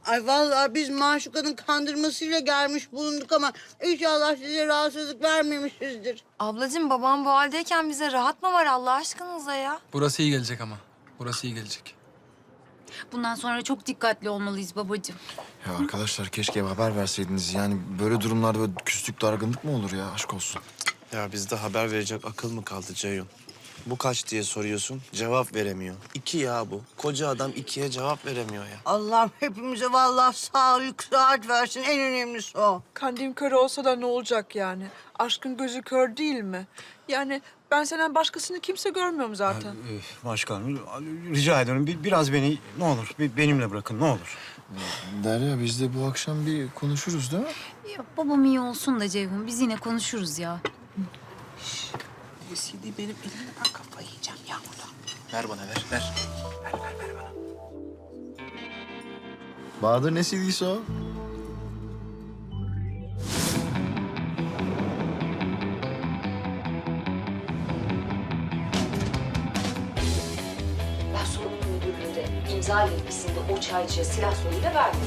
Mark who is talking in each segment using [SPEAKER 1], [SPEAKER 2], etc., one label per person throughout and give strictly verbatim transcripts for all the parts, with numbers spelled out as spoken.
[SPEAKER 1] Ay vallahi biz Maşuka'nın kandırmasıyla gelmiş bulunduk ama inşallah size rahatsızlık vermemişizdir.
[SPEAKER 2] Ablacığım babam bu haldeyken bize rahat mı var Allah aşkınıza ya?
[SPEAKER 3] Burası iyi gelecek ama. Burası iyi gelecek.
[SPEAKER 4] Bundan sonra çok dikkatli olmalıyız babacığım.
[SPEAKER 5] Ya arkadaşlar keşke haber verseydiniz. Yani böyle durumlarda böyle küslük, dargınlık mı olur ya? Aşk olsun.
[SPEAKER 6] Ya bizde haber verecek akıl mı kaldı Ceyhun? Bu kaç diye soruyorsun, cevap veremiyor. İki ya bu. Koca adam ikiye cevap veremiyor ya.
[SPEAKER 1] Allah'ım hepimize vallahi sağlık, sıhhat versin. En önemlisi o.
[SPEAKER 7] Kandil kör olsa da ne olacak yani? Aşkın gözü kör değil mi? Yani ben senden başkasını kimse görmüyorum zaten.
[SPEAKER 8] Ee, Başkanım rica ediyorum bir, biraz beni ne olur bir, benimle bırakın ne olur.
[SPEAKER 5] Derya biz de bu akşam bir konuşuruz değil mi?
[SPEAKER 4] Ya babam iyi olsun da Ceyhun, biz yine konuşuruz ya.
[SPEAKER 1] C D benim elimden kafayı yiyeceğim ya burada.
[SPEAKER 6] Ver bana ver, ver.
[SPEAKER 5] Bahadır ne C D'si o?
[SPEAKER 9] Ben sorumlu müdürlüğünde imza yetkisinde o çaycıya silah zoruyla verdim.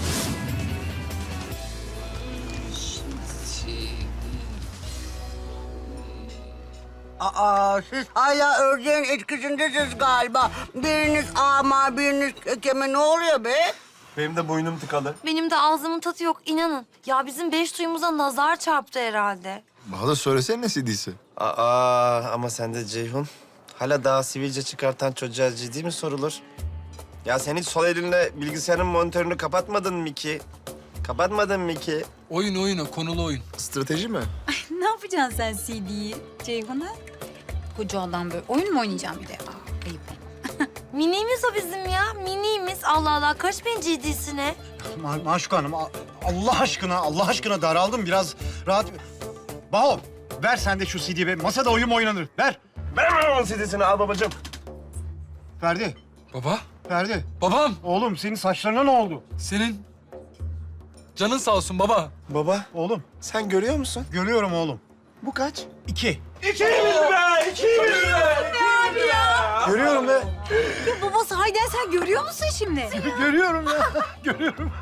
[SPEAKER 1] Aa, siz hala ördeğin etkisindesiniz galiba. Biriniz ama, biriniz kekeme. Ne oluyor be?
[SPEAKER 6] Benim de boynum tıkalı.
[SPEAKER 2] Benim de ağzımın tadı yok inanın. Ya bizim beş duyumuza nazar çarptı herhalde.
[SPEAKER 5] Bahadır söylesene ne C D'si?
[SPEAKER 6] Aa ama sen de Ceyhun. Hala daha sivilce çıkartan çocuğa ciddi mi sorulur? Ya sen hiç sol elinle bilgisayarın monitörünü kapatmadın mı ki? Kapatmadın mı ki?
[SPEAKER 3] Oyun oyun o, konulu oyun.
[SPEAKER 5] Strateji mi?
[SPEAKER 4] Ne yapacaksın sen C D'yi Ceyhun'a? Koca adam böyle oyun mu oynayacaksın bir de? Aa, ayıp.
[SPEAKER 2] Minimiz o bizim ya, minimiz. Allah Allah, karışmayın ciddisine.
[SPEAKER 8] Ma Maşuka Hanım a- Allah aşkına Allah aşkına daraldım biraz rahat. Baho ver sen de şu C D'yi be. Masada oyun mu oynanır? Ver.
[SPEAKER 6] Ver onun C D'sini al babacığım.
[SPEAKER 8] Ferdi.
[SPEAKER 3] Baba,
[SPEAKER 8] Ferdi.
[SPEAKER 3] babam.
[SPEAKER 8] Oğlum senin saçlarına ne oldu?
[SPEAKER 3] Senin canın sağ olsun baba.
[SPEAKER 6] Baba
[SPEAKER 8] Oğlum
[SPEAKER 6] sen görüyor musun?
[SPEAKER 8] görüyorum oğlum.
[SPEAKER 6] Bu kaç?
[SPEAKER 8] İki.
[SPEAKER 6] Görüyorum be.
[SPEAKER 4] Ya baba sahiden sen görüyor musun şimdi?
[SPEAKER 8] Görüyorum ya. Görüyorum.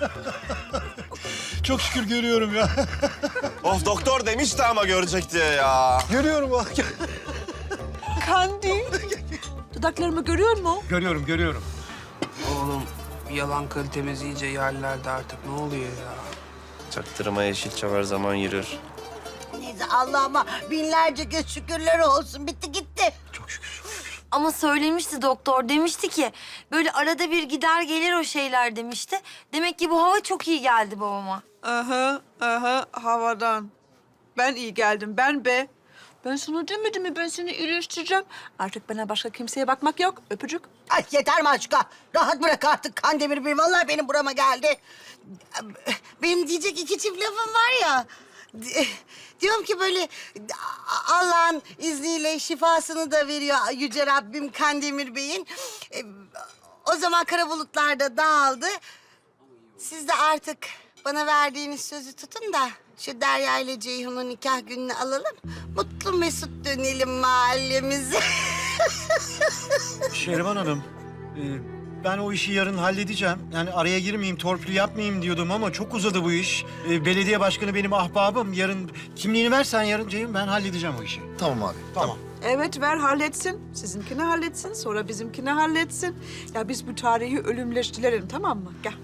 [SPEAKER 8] Çok şükür görüyorum ya.
[SPEAKER 6] Of doktor demişti ama görecek diye ya.
[SPEAKER 8] Görüyorum bak.
[SPEAKER 7] Kandil. Dudaklarımı görüyor musun?
[SPEAKER 8] Görüyorum görüyorum.
[SPEAKER 10] Oğlum yalan kalitemiz iyice yerlerde artık. Ne oluyor ya?
[SPEAKER 6] Çaktırma Yeşilçam her zaman yürür.
[SPEAKER 1] Neyse Allah'ıma binlerce kez şükürler olsun. Bitti gitti.
[SPEAKER 2] Ama söylemişti doktor, demişti ki... ...böyle arada bir gider gelir o şeyler demişti. Demek ki bu hava çok iyi geldi babama.
[SPEAKER 7] Aha, aha havadan. Ben iyi geldim, ben be. Ben sana demedim mi ben seni iyileştireceğim. Artık bana başka kimseye bakmak yok. Öpücük.
[SPEAKER 1] Ay yeter Maşuka. Rahat bırak artık Kandemir Bey. Vallahi benim burama geldi. Benim diyecek iki çift lafım var ya. Diyorum ki böyle Allah'ın izniyle şifasını da veriyor Yüce Rabbim Kandemir Bey'in. E, O zaman kara bulutlar da dağıldı. Siz de artık bana verdiğiniz sözü tutun da şu Derya ile Ceyhun'un nikah gününü alalım. Mutlu mesut dönelim mahallemize.
[SPEAKER 8] Şehriban Hanım, e, ben o işi yarın halledeceğim. Yani araya girmeyeyim, torpil yapmayayım diyordum ama çok uzadı bu iş. E, belediye başkanı benim ahbabım. Yarın kimliğini versen yarın Ceyhun, ben halledeceğim o işi.
[SPEAKER 5] Tamam abi.
[SPEAKER 8] Tamam.
[SPEAKER 7] Evet ver halletsin. Sizinkini halletsin, sonra bizimkini halletsin. Ya biz bu tarihi ölümleştirelim tamam mı? Gel.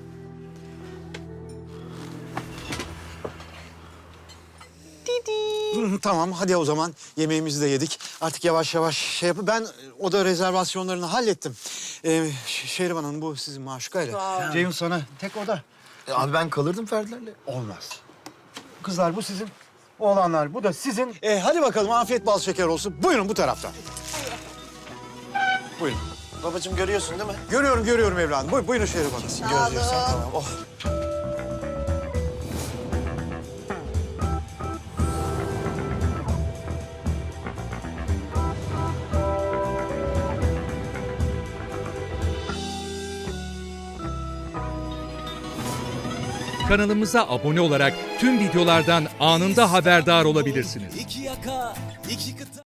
[SPEAKER 8] Hı, tamam, hadi o zaman yemeğimizi de yedik. Artık yavaş yavaş şey yapıp ben oda rezervasyonlarını hallettim. Ee, Ş- Şehriban Hanım bu sizin Maşuka'yla. Ceyhun sana tek oda.
[SPEAKER 5] E, abi ben kalırdım Ferdilerle.
[SPEAKER 8] Olmaz. Kızlar bu sizin. Oğlanlar bu da sizin. Ee, hadi bakalım afiyet bal şeker olsun. Buyurun bu taraftan. Buyurun.
[SPEAKER 6] Babacığım görüyorsun değil mi?
[SPEAKER 8] Görüyorum görüyorum evladım. Buyurun, buyurun Şehriban Hanım.
[SPEAKER 6] Görüyorsan tamam. Oh.
[SPEAKER 11] Kanalımıza abone olarak tüm videolardan anında haberdar olabilirsiniz.
[SPEAKER 10] İki yaka, iki kıta.